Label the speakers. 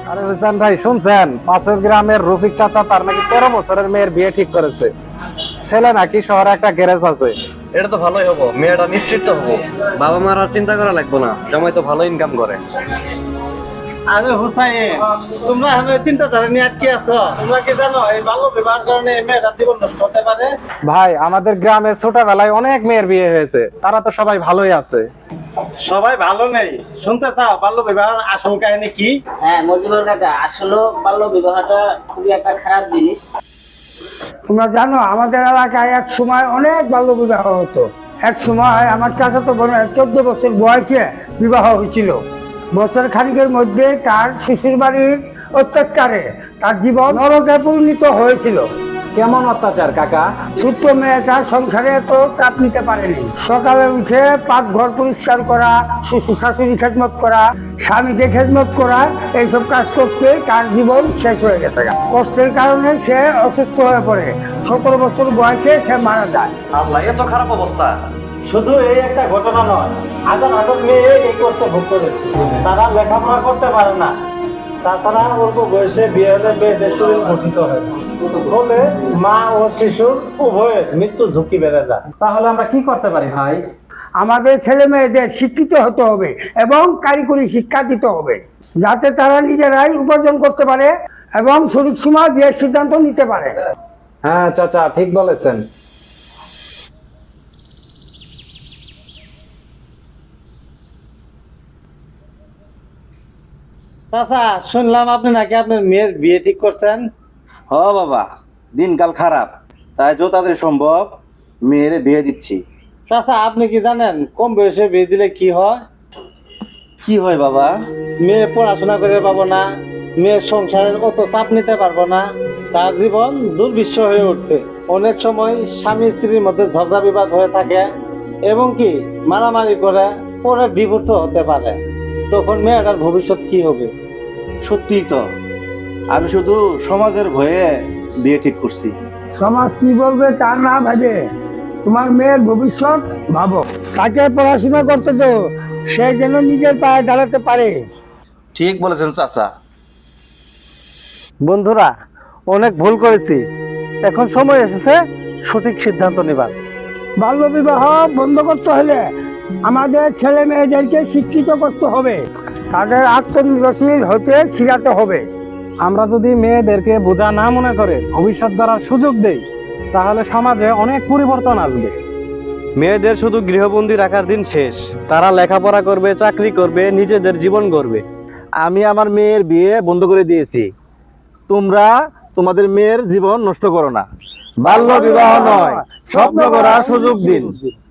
Speaker 1: আরে হোসেন ভাই শুনছেন, পাশের গ্রামের রফিক চাচা তার নাকি 13 বছরের মেয়ের বিয়ে ঠিক করেছে। ছেলে নাকি শহরে একটা গ্যারেজ আছে।
Speaker 2: এটা তো ভালোই হবো, মেয়েটা নিশ্চিত হবো। বাবা মার আর চিন্তা করা লাগবে না, জামাই তো ভালো ইনকাম করে।
Speaker 3: আরে হুসাইন, তোমরা আমি চিন্তাধারা নিয়ে আটকে আছো। তোমরা কি জানো এই বাল্য বিবাহের কারণে মেয়েরা জীবন নষ্ট হতে পারে?
Speaker 1: ভাই আমাদের গ্রামে ছোটবেলায় অনেক মেয়ের বিয়ে হয়েছে, তারা তো সবাই ভালোই আছে।
Speaker 3: সবাই ভালো নেই, শুনতে চাও বাল্য বিবাহের আসল কাহিনী কি?
Speaker 4: হ্যাঁ মজিবুর কাকা, আসলে বাল্য বিবাহটা খুবই একটা খারাপ জিনিস।
Speaker 5: তোমরা জানো আমাদের এলাকায় এক সময় অনেক বাল্য বিবাহ হতো। এক সময় আমার চাচাতো বোনের 14 বছর বয়সে বিবাহ হয়েছিল। বছর খানিকের মধ্যে তার শ্বশুর বাড়ির অত্যাচারে তার জীবন নরকে পরিণত হয়েছিল।
Speaker 1: কেমন অত্যাচার কাকা?
Speaker 5: ছোট্ট মেয়েটা সংসারে এত চাপ নিতে পারেনি। সকালে উঠে পাকঘর পরিষ্কার করা, শ্বশুর শাশুড়ি খেদমত করা, স্বামীকে খেদমত করা, এইসব কাজ করতে তার জীবন শেষ হয়ে গেছে। কষ্টের কারণে সে অসুস্থ হয়ে পড়ে। 17 বছর বয়সে সে মারা যায়।
Speaker 2: আল্লাহ, এত খারাপ অবস্থা!
Speaker 3: শুধু এই একটা ঘটনা নয়, হাজার হাজার মেয়ে এই কষ্ট ভোগ করেছে। তারা লেখাপড়া করতে পারে না, তাছাড়া অল্প বয়সে বিয়ে হলে মেয়েদের শরীর গঠিত হয়, ফলে মা ও শিশুর উভয়ের মৃত্যু ঝুঁকি বেড়ে যায়।
Speaker 1: তাহলে আমরা কি করতে পারি ভাই?
Speaker 5: আমাদের ছেলে মেয়েদের শিক্ষিত হতে হবে এবং কারিগরি শিক্ষা দিতে হবে, যাতে তারা নিজেরাই উপার্জন করতে পারে এবং সঠিক সময় বিয়ের সিদ্ধান্ত নিতে পারে।
Speaker 1: হ্যাঁ চাচা ঠিক বলেছেন।
Speaker 3: চাচা, শুনলাম আপনি নাকি আপনার মেয়ের বিয়ে ঠিক করছেন?
Speaker 6: হ বাবা, দিনকাল খারাপ, তাই যত তাড়াতাড়ি সম্ভব মেয়ের বিয়ে দিচ্ছি।
Speaker 3: চাচা, আপনি কি জানেন কম বয়সে বিয়ে দিলে কি হয়?
Speaker 6: কি হয় বাবা?
Speaker 3: মেয়ে পড়াশোনা করে পাবো না, মেয়ের সংসারের অত চাপ নিতে পারবো না, তার জীবন দুর্বিষহ হয়ে উঠবে। অনেক সময় স্বামী স্ত্রীর মধ্যে ঝগড়া বিবাদ হয়ে থাকে এবং কি মারামারি করে পরে ডিভোর্সও হতে পারে। তখন মেয়েটার ভবিষ্যৎ কি হবে?
Speaker 6: সত্যিই তো, আমি শুধু সমাজের ভয়ে বিয়ে ঠিক করছি।
Speaker 5: সমাজ কি বলবে তা না ভাবে তোমার মেয়ের ভবিষ্যৎ ভাবো। তাকে পড়াশোনা করতে তো, সে যেন নিজের পায়ে দাঁড়াতে পারে।
Speaker 6: ঠিক বলেছেন চাচা।
Speaker 3: বন্ধুরা, অনেক ভুল করেছি, এখন সময় এসেছে সঠিক সিদ্ধান্ত নেবার।
Speaker 5: বাল্য বিবাহ বন্ধ করতে হলে আমাদের ছেলে মেয়েদেরকে শিক্ষিত করতে হবে, তাদের আত্মনির্ভরশীল হতে শিখাতে হবে।
Speaker 1: আমরা যদি মেয়েদেরকে বোঝা না মনে করে ভবিষ্যৎ গড়ার সুযোগ দেই, তাহলে সমাজে অনেক পরিবর্তন আসবে।
Speaker 2: মেয়েদের শুধু গৃহবন্দী রাখার দিন শেষ। তারা লেখাপড়া করবে, চাকরি করবে, নিজেদের জীবন গড়বে।
Speaker 6: আমি আমার মেয়ের বিয়ে বন্ধ করে দিয়েছি। তোমরা তোমাদের মেয়ের জীবন নষ্ট করো না। বাল্য বিবাহ নয়, স্বপ্ন করার সুযোগ দিন।